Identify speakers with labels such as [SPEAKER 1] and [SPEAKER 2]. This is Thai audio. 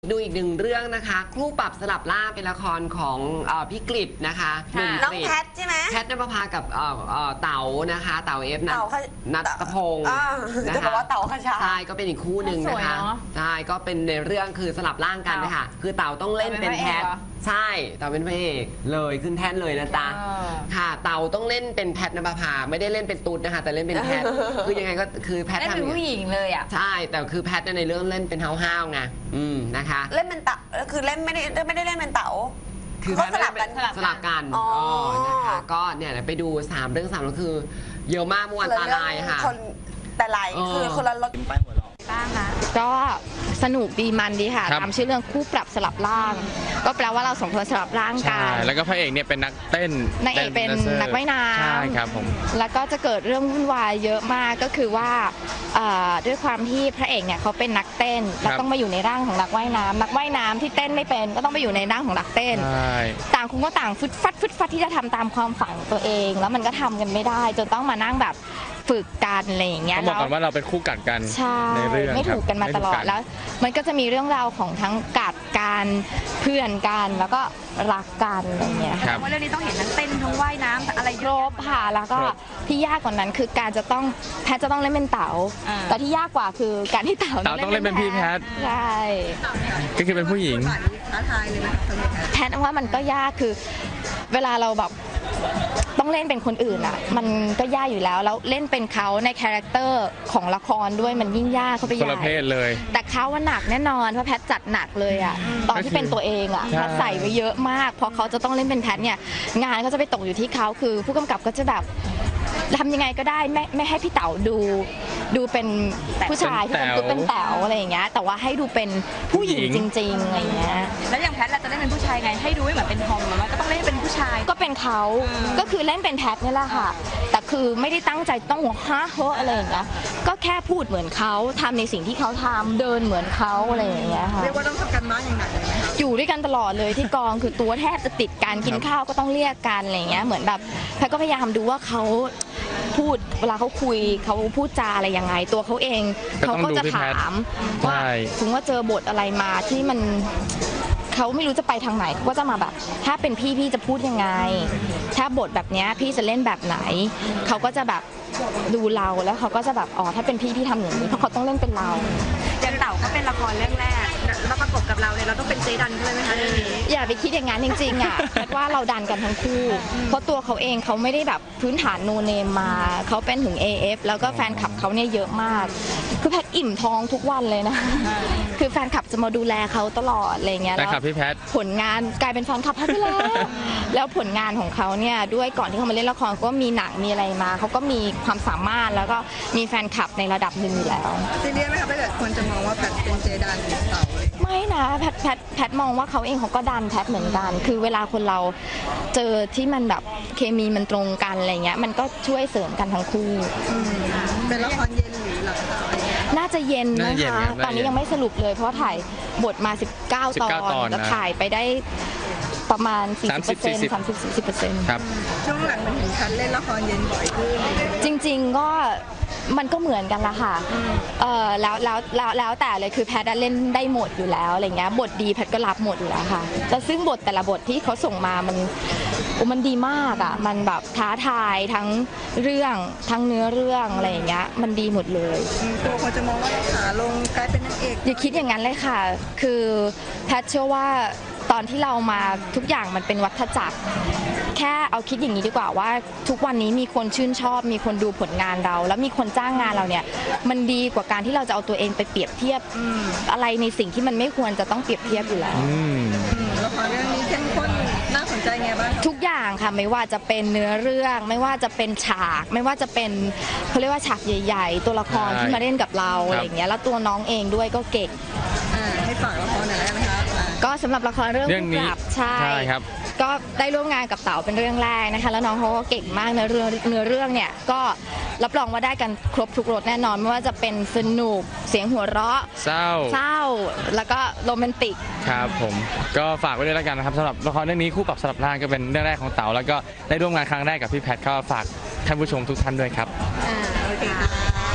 [SPEAKER 1] ดูอีกหนึ่งเรื่องนะคะครู่ปรับสลับล่างเป็นละครของพี่กฤษนะคะ
[SPEAKER 2] น้องแพทใช่ไหม
[SPEAKER 1] แพทนภพากับเต๋านะคะเต๋าเอฟนัทพงศ์
[SPEAKER 2] จะบอกว่าเต๋าขชา
[SPEAKER 1] ใช่ก็เป็นอีกคู่หนึ่งนะคะใช่ก็เป็นในเรื่องคือสลับร่างกันนะคะคือเต๋าต้องเล่นเป็นแพทใช่เต๋าเป็นพระเอกเลยขึ้นแท่นเลยนะจ๊ะค่ะเต๋าต้องเล่นเป็นแพทนภพาไม่ได้เล่นเป็นตุ๊ดนะคะแต่เล่นเป็นแพทคือยังไงก็คือแพท
[SPEAKER 3] ทำเป็นผู้หญิงเลยอ่ะ
[SPEAKER 1] ใช่แต่คือแพทในเรื่องเล่นเป็นห้าวๆไงนะคะ
[SPEAKER 2] เล่นเป็นเต๋าคือเล่นไม่ได้เล่นเป็นเต๋า
[SPEAKER 1] คือเขาสลับกันนะคะก็เนี่ยไปดู3เรื่อง3แล้วคือเยอะมากเมื่อวานตาลายค่ะ
[SPEAKER 2] แต่ลายคือคนละรถ
[SPEAKER 3] บ้างค่ะ
[SPEAKER 4] ก็สนุกดีมันดีค่ะตามชื่อเรื่องคู่ปรับสลับร่างก็แปลว่าเราสองคนสลับร่างกัน
[SPEAKER 5] แล้วก็พระเอกเนี่ยเป็นนักเต้น
[SPEAKER 4] นางเอกเป็นนักว่ายน้ำ
[SPEAKER 5] ใช่ครับผม
[SPEAKER 4] แล้วก็จะเกิดเรื่องวุ่นวายเยอะมากก็คือว่าด้วยความที่พระเอกเนี่ยเขาเป็นนักเต้นแล้วต้องมาอยู่ในร่างของนักว่ายน้ำนักว่ายน้ำที่เต้นไม่เป็นก็ต้องไปอยู่ในร่างของนักเต้นต่างคนก็ต่างฟึดฟัดที่จะทำตามความฝันตัวเองแล้วมันก็ทำกันไม่ได้จนต้องมานั่งแบบฝึกกันอะไรอย่างเงี้ย
[SPEAKER 5] ต้องบอกก่อนว่าเราเป็นคู่กัดกันในเรื่อง
[SPEAKER 4] ไม่ถูกกันมาตลอดแล้วมันก็จะมีเรื่องราวของทั้งกัดกันเพื่อนกันแล้วก็รักกันอะไรเงี้ย
[SPEAKER 3] ว่าเรื่องนี้ต้องเห็นทั้งเต้นทั้งว่ายน้ำอะไร
[SPEAKER 4] ครบค่ะแล้วก็ที่ยากกว่านั้นคือการจะต้องแพทจะต้องเล่นเป็นเต๋าแต่ที่ยากกว่าคือการที่เต๋า
[SPEAKER 5] ต้องเล่นเป็นพี่แพท
[SPEAKER 4] ใช่
[SPEAKER 5] ก็คือเป็นผู้หญิง
[SPEAKER 2] ท้าทายเลยนะ
[SPEAKER 4] แพทว่ามันก็ยากคือเวลาเราแบบต้องเล่นเป็นคนอื่นอ่ะมันก็ยากอยู่แล้วเล่นเป็นเขาในคาแรคเตอร์ของละครด้วยมันยิ่งยากเขาไปใหญ่
[SPEAKER 5] คนละเพศเลย
[SPEAKER 4] แต่เขาว่าหนักแน่นอนเพราะแพทจัดหนักเลยอ่ะตอนที่เป็นตัวเองอ่ะแพทใส่ไว้เยอะมากพอเขาจะต้องเล่นเป็นแพทเนี่ยงานก็จะไปตกอยู่ที่เขาคือผู้กำกับก็จะแบบทำยังไงก็ได้ไม่ให้พี่เต๋าดูเป็นผู้ชายที่เป็นแต๋วอะไรอย่างเงี้ยแต่ว่าให้ดูเป็นผู้หญิงจริงๆอะไรอย่างเงี้ย
[SPEAKER 3] แล้วอย่างแพทเราจะเล่นเป็นผู้ชายไงให้ดูไม่เหมือนเป็นทอมหรือว่าก็ต้องเล่นเป็นผู้ชาย
[SPEAKER 4] ก็เป็นเขาก็คือเล่นเป็นแพทนี่แหละค่ะแต่คือไม่ได้ตั้งใจต้องหัวฮะเฮ้ออะไรอย่างเงี้ยก็แค่พูดเหมือนเขาทำในสิ่งที่เขาทำเดินเหมือนเขาอะไรอย่างเงี้ยค่ะ
[SPEAKER 2] เรียกว่าต้องทำกันบ้านอย่างหนักเลยไหมคะ
[SPEAKER 4] อยู่ด้วยกันตลอดเลยที่กองคือตัวแทบจะติดกันกินข้าวก็ต้องเรียกกันอะไรอย่างเงี้ยเหมือนแบบแพทก็พยายามดูว่าเขาพูดเวลาเขาคุยเขาพูดจาอะไรยังไงตัวเขาเองเขาก็จะถามว่าถึงว่าเจอบทอะไรมาที่มันเขาไม่รู้จะไปทางไหนก็จะมาแบบถ้าเป็นพี่จะพูดยังไงถ้าบทแบบนี้พี่จะเล่นแบบไหนเขาก็จะแบบดูเราแล้วเขาก็จะแบบอ๋อถ้าเป็นพี่ทำอย่างนี้เพราะเขาต้องเล่นเป็นเรา
[SPEAKER 3] อย่างเต๋าเขาเป็นละครเรื่องแรกแล้วประกบกับเราเนี่ยเราต้องเป็นเจดันด้วยไหมคะ
[SPEAKER 4] อย่าไปคิดอย่างนั้นจริงๆอ่ะแพทว่าเราดันกันทั้งคู่เพราะตัวเขาเองเขาไม่ได้แบบพื้นฐานโนเนมมาเขาเป็นถึง AF แล้วก็แฟนคลับเขาเนี่ยเยอะมากคือแพทอิ่มท้องทุกวันเลยนะคือแฟนคลับจะมาดูแลเขาตลอดอะไรเงี้ย
[SPEAKER 5] แล้ว
[SPEAKER 4] ผลงานกลายเป็นแฟนคลับแพทไปแล้วผลงานของเขาเนี่ยด้วยก่อนที่เขามาเล่นละครก็มีหนังมีอะไรมาเขาก็มีความสามารถแล้วก็มีแฟนคลับในระดับหนึ่งอยู่แล้ว
[SPEAKER 2] ซีเรียสไหมคะถ้าเกิดคนจะมองว่าแพทเป็นเจดันหรือเต๋า
[SPEAKER 4] ไม่นะแพทมองว่าเขาเองเขาก็ดันแพทเหมือนกันคือเวลาคนเราเจอที่มันแบบเคมีมันตรงกันอะไรเงี้ยมันก็ช่วยเสริมกันทั้งคู่
[SPEAKER 2] เป็นละครเย็นหรือหลัง
[SPEAKER 4] น่าจะเย็นนะคะตอนนี้ยังไม่สรุปเลยเพราะถ่ายบทมา19 ตอนแล้วถ่ายไปได้ประมาณ 40% 30-40%
[SPEAKER 5] ครับ
[SPEAKER 2] ช่วงหลังมันเห็นฉันเล่นละครเย็นบ่อยขึ้น
[SPEAKER 4] จริงๆก็มันก็เหมือนกันละค่ะแล้วแต่เลยคือแพทเล่นได้หมดอยู่แล้วอะไรเงี้ยบทดีแพทก็รับหมดอยู่แล้วค่ะแต่ซึ่งบทแต่ละบทที่เขาส่งมามันดีมากอ่ะมันแบบท้าทายทั้งเรื่องทั้งเนื้อเรื่องอะไรอย่างเงี้ยมันดีหมดเลย
[SPEAKER 2] ตัวเขาจะมองว่าขาลงกลายเป็นนางเอก
[SPEAKER 4] อย่าคิดอย่างนั้นเลยค่ะคือแพทเชื่อว่าตอนที่เรามาทุกอย่างมันเป็นวัฏจักรแค่เอาคิดอย่างนี้ดีกว่าว่าทุกวันนี้มีคนชื่นชอบมีคนดูผลงานเราแล้วมีคนจ้างงานเราเนี่ยมันดีกว่าการที่เราจะเอาตัวเองไปเปรียบเทียบอะไรในสิ่งที่มันไม่ควรจะต้องเปรียบเทียบอยู่แล้ว
[SPEAKER 2] ละครเรื่องนี้เข้มข้นน่าสนใจไงบ้าง
[SPEAKER 4] ทุกอย่างค่ะไม่ว่าจะเป็นเนื้อเรื่องไม่ว่าจะเป็นฉากไม่ว่าจะเป็นเขาเรียกว่าฉากใหญ่ๆตัวละครที่มาเล่นกับเราอะไรอย่างเงี้ยแล้วตัวน้องเองด้วยก็เก่ง
[SPEAKER 2] ให้ฝากละครหน่อยได้ไหมคะ
[SPEAKER 4] ก็สำหรับละครเรื่องคู่ปรับใช่
[SPEAKER 5] ครับ
[SPEAKER 4] ก็ได้ร่วมงานกับเต๋าเป็นเรื่องแรกนะคะแล้วน้องเขาก็เก่งมากเนื้อเรื่องเนี่ยก็รับรองว่าได้กันครบทุกรสแน่นอนไม่ว่าจะเป็นสนุกเสียงหัวเราะ
[SPEAKER 5] เศร้า
[SPEAKER 4] แล้วก็โรแมนติก
[SPEAKER 5] ครับผมก็ฝากไว้ด้วยแล้วกันนะครับสำหรับละครเรื่องนี้คู่ปรับสลับร่างก็เป็นเรื่องแรกของเต๋าแล้วก็ได้ร่วมงานครั้งแรกกับพี่แพทก็ฝากท่านผู้ชมทุกท่านด้วยครับ
[SPEAKER 2] โอเคค่ะ